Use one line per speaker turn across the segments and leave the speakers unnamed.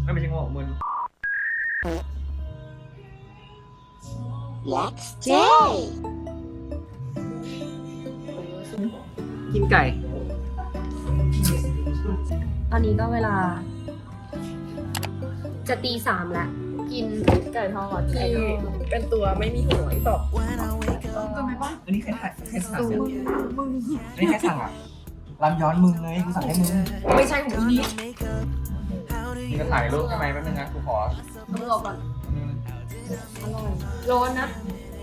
ไม่ใช่งงมึน
Let's stay
กินไก่
ตอนนี้ก็เวลา จะตี 3แล้ว กิน
ไก่ทอดที่เป็นตัวไม่มีหัวอีกต่อ
อันนี้ใครสั่งเนี่ยอันนี้ใครสั่งอ่ะรำย้อนมึงเลยกูสั่งให้มึง
ไม่ใช่ของพี่
มึงจะถ่ายรูปทำไมแป๊บนึงนะกูขอ
ต้องรอก่อนอร่อยร้อนนะ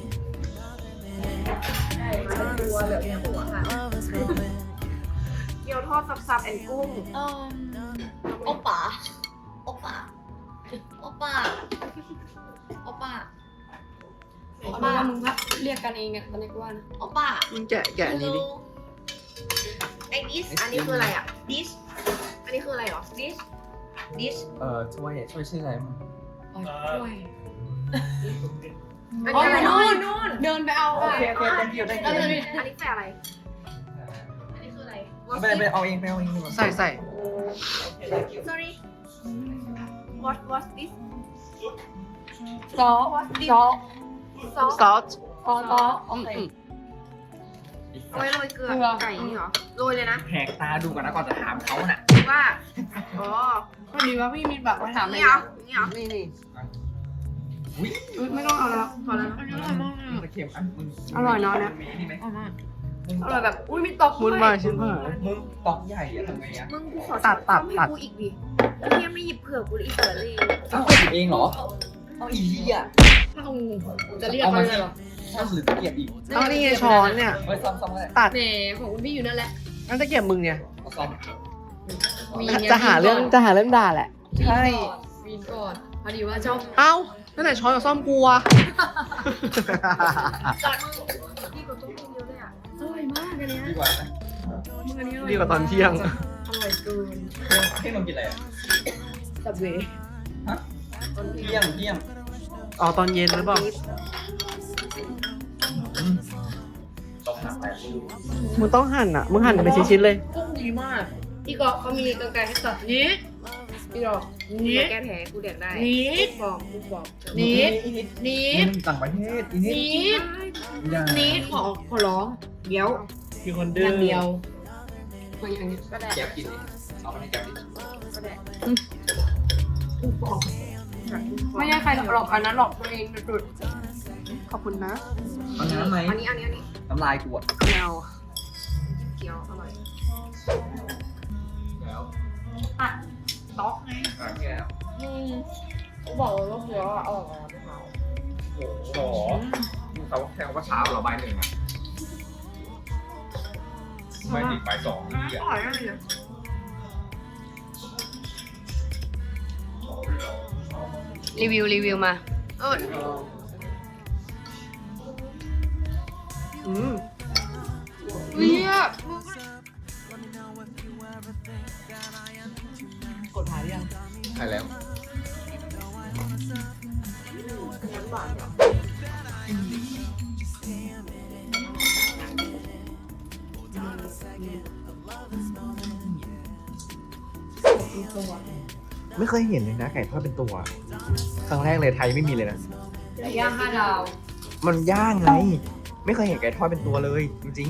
ใช่มาเป็นตัวเหลือแค่หัวค่ะ
เกี๊ยวทอดซับๆแอนกุ้ง
โอป้าโอป้าโอป้าโอป้าโอป้ามึงพักเรียกกันเองเนี่ยตอนนี้กูว่านะโอป้า
มึงแกะอันนี้ดิ
ไอ้ดิสอันนี้คืออะไรอ่ะดิสอันนี้คืออะไรหรอดิส
ช่วยชื่ออะไรมึง
ช่วย
อันนี้อะไร
นู่
นู่
น
น
เดินไปเอา
โอเคthank you
อันนี้แปลอะไรอันนี้คืออะไร
ไปเอาเองดีกว่าใส่
sorry what this
ซอซอ
sauce
ซอโอเค
เอาไว้โรยเกลือไก่นี่เหรอโรยเลยนะ
แหกตาดูก่อนนะก่อนจะถามเขาน่ะ
ว่าอ๋อ
พอดีว่าพี่มีแบบมาถาม
นี่เหรอนี่เหรอ
นี่
อุ้ย
ไม่ต้องเอาแล้ว
พอแล้ว
อันนี้อร่อยมาก
ตะเข็มมึง
อร่อยเนาะเนี่ย
มีนี่ไหม
อร่อยแบบอุ้ยมีตอก
มุนมาชิ้นมามึงตอกใหญ่อะทำไงอะ
มึงกูขอ
ตัด
ให้กูอีกดิเฮียไม่หยิบเผือกกูเลยอีกเผือกเลย
เอ้าหยิบเองเหรอเอาอีกอ่ะ
จะเรียกเขาเลยเหรอ
ถ้าหรือตะเกียบอีก
เอานี่ไงช้อนเนี่ย
เฮ้ยซ้ำๆเลย
ตัด
แหมของคุณพี่อยู่นั่นแหละ
นั่นตะเกียบมึงเนี่ย
เอาซ้
จะหาเรื่องด่าแหละ
ำใช่
วีนก่อนพอดีว่าชอบ
เอ้านั่นไหนช้อนกับซ่อมกูอะ
พี่กูต้องกินเยอะเลยอ่ะ
อร่อยมากอันเนี้ย
ดีกว่าไหม
มึงอันนี้อร่อย
ดีกว่าตอนเที่ยง
อร่อยเกิน
ให้มึงกินอะไรอ่ะ
สับเว
ฮะเที่ยง
อ๋อตอนเย็นหรือเปล่า
ต้องหาแต่
มึงต้องหั่นอ่ะ มึงหั่นเป็นชิ้นๆเลย
กุ้งดีมากพี่กอกเขามีกรรไกรให้ตัดนี้พี่ดอก
กู
นี้
แก้แผลกูแดกได้
นี้
บอก
นี้นี้
มึงต่างประเทศอีนิด
นี้
อย่า
นี้ขอร้องเดี๋ยว
มีคน
อ
ดื้อย่าง
เดียวมาอย่างนี้
ก็แดก
แกบกินดิเอาไปให้แกบดิ
ก็แดก
ไม่ใช่ใครหลอกอันนั้นหลอกตัวเองสุดขอบคุณนะ
เอาน้ำไหม
อันนี้
น้ำลายกูอ่ะ
แมว
เกี๊ยวอร่อย
แล้ว
ต๊อกไง
แก้ว
กูบอกเลยว่าเกี๊ยวอร่อยนะ
โอ้โหมึงเขาแค่ว่าเช้าเหรอบ่ายหนึ่งอ่ะไม่ติดบ่ายสองนี่อ่ะ
อร่อยมากเลย
รีวิวมา
อืม
เนี่ย
กดหาหรือยัง
ใช่แล้ว ไม่เคยเห็นเลยนะไก่ทอดเป็นตัว ครั้งแรกเลยไทยไม่มีเลยนะ
ย่าง5 ดาว
มันย่างไง ไม่เคยเห็นไก่ทอดเป็นตัวเลย จริง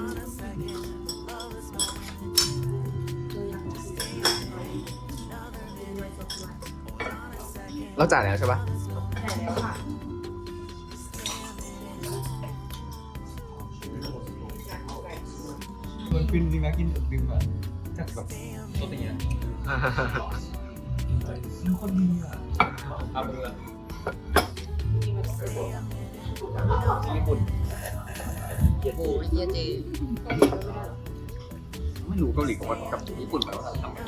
ๆเราจ่ายแล้วใช่ปะมันฟินจริงนะกินดึงอะจากแบบตัวอย่างเงี้ยมันคนดีอ่ะเอาเรือญี่ปุ่น
โอ้ยเยเจ
ไม่รู้เกาหลีกับญี่ปุ่นมันว่าทำไง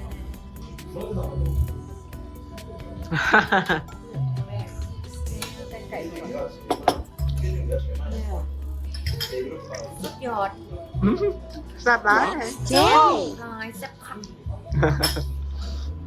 ยอด
แซ่บร้าย
Stay
ลายแซ่บค่ะ
เ